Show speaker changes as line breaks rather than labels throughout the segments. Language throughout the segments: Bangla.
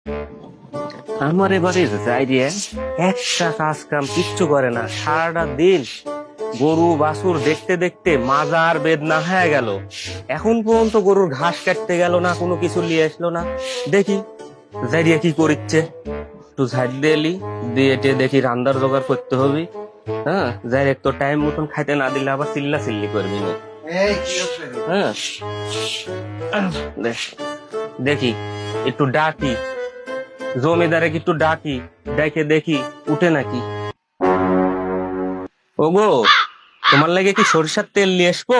আমার এবারে যাই দিয়ে একটা কাজ কাম কিচ্ছু করে না, সারাটা দিন গরু বাছুর দেখতে দেখতে মাজার বেদনা হয়ে গেল। এখন পর্যন্ত গরুর ঘাস কাটতে গেল না, কোনো কিছু নিয়ে আসলো না। দেখি যাই দিয়ে কি করিচ্ছে, একটু ঝাড় দিয়েলি দিয়ে দেখি রান্নার জোগাড় করতে হবে। হ্যাঁ, যাই একটু টাইম মতন খাইতে না দিলে আবার চিল্লা চিল্লি করবি না। হ্যাঁ, দেখি একটু ডাকি জমিদারে, একটু ডাকি, দেখে দেখি উঠে নাকি। ওগো, তোমার লাগে কি সরিষার তেল নিয়ে আসবো?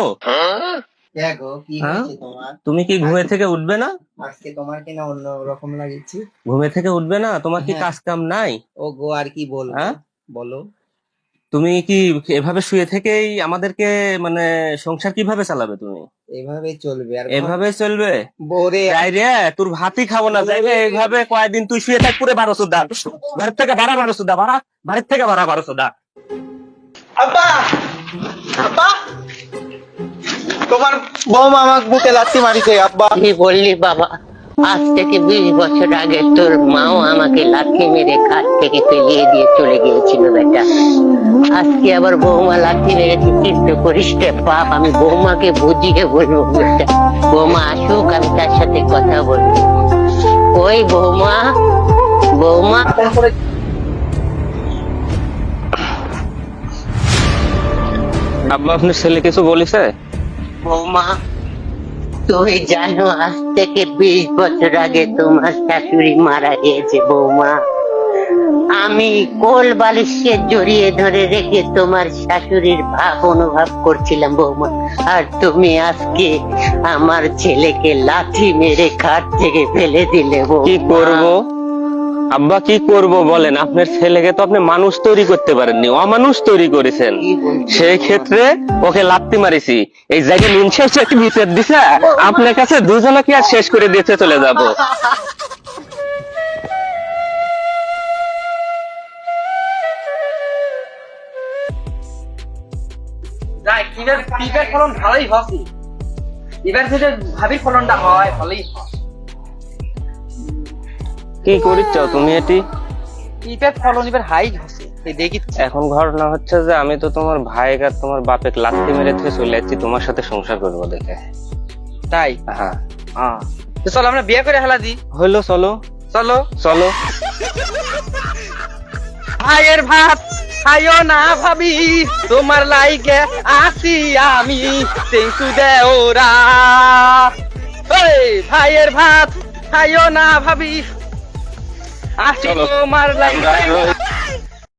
তুমি কি ঘুমে থেকে উঠবে না?
আজকে তোমার কিনা অন্য রকম লাগছে।
ঘুমে থেকে উঠবে না? তোমার কি কাজ কাম নাই?
ও গো, আর কি বলবো? বলো।
তুমি কি এভাবে শুয়ে থেকেই আমাদেরকে মানে সংসার কিভাবে চালাবে? তুমি
এইভাবেই চলবে? আর
এভাবে চলবে?
বোরে
যাই রে, তোর ভাতই খাবো না। যাইবে এইভাবে কয়েকদিন তুই শুয়ে থাক, পুরে 1200 দা, বাড়ির থেকে ভাড়া 1200 দা, বাড়ির থেকে ভাড়া 1200 দা।
আব্বা, আব্বা, তোমার বৌমা আমাকে বুকে লাথি মারিছে। আব্বা,
কি বললি বাবা? আজ থেকে 20 বছর আগে তোর মাও আমাকে লাথি মেরে খাট থেকে ফেলিয়ে দিয়ে চলে গিয়েছিল বেটা। আজকে আবার বৌমা লাথি মেরেছে, চিন্তা করিস রে বাপ। আমি বৌমাকে বুঝিয়ে বলবো বেটা। বৌমা আসুক, আমি তার সাথে কথা বলবো। ওই বৌমা, বৌমা।
আব্বা, আপনার ছেলে কিছু বলেছে?
বৌমা, তুমি জানো আজ থেকে 20 বছর আগে তোমার শাশুড়ি মারা গিয়েছে বৌমা। আমি কোল বালিশকে জড়িয়ে ধরে রেখে তোমার শাশুড়ির ভাব অনুভব করছিলাম বৌমা। আর তুমি আজকে আমার ছেলেকে লাথি মেরে খাট থেকে ফেলে দিলে বৌমা।
কি করব আব্বা, কি করব বলেন? আপনার ছেলেকে তো আপনি মানুষ তৈরি করতে পারেননি, অমানুষ তৈরি করেছেন। সেই ক্ষেত্রে ওকে লাত্তি মারিছি। এই জায়গায় নুন শেষ ভিতর দিছে, আপনার কাছে দুজনকে আর শেষ করে দিতে চলে যাব।
যাই পিপের ফলন ভালোই হচ্ছে। এবার যদি ভাবির ফলনটা হয় ভালোই হয়।
কি করিচ্ছ তুমি? এটি
পিপের ফলন এবার হাই হচ্ছে, দেখি।
এখন ঘটনা হচ্ছে যে আমি তো তোমার ভাই আর তোমার বাপে লাত্তি মেরে থেকে চলে যাচ্ছি তোমার সাথে সংসার করবো দেখে।
তাই?
হ্যাঁ,
তো চলো আমরা বিয়ে করে হেলা দিই।
হইলো, চলো
চলো
চলো।
ভাইয়ের ভাত খাইও না ভাবি, তোমার লাইগে আসি আমি তেঁতু দেওরা। ওই ভাইয়ের ভাত খাইও না ভাবি, আসি তোমার লাইগে।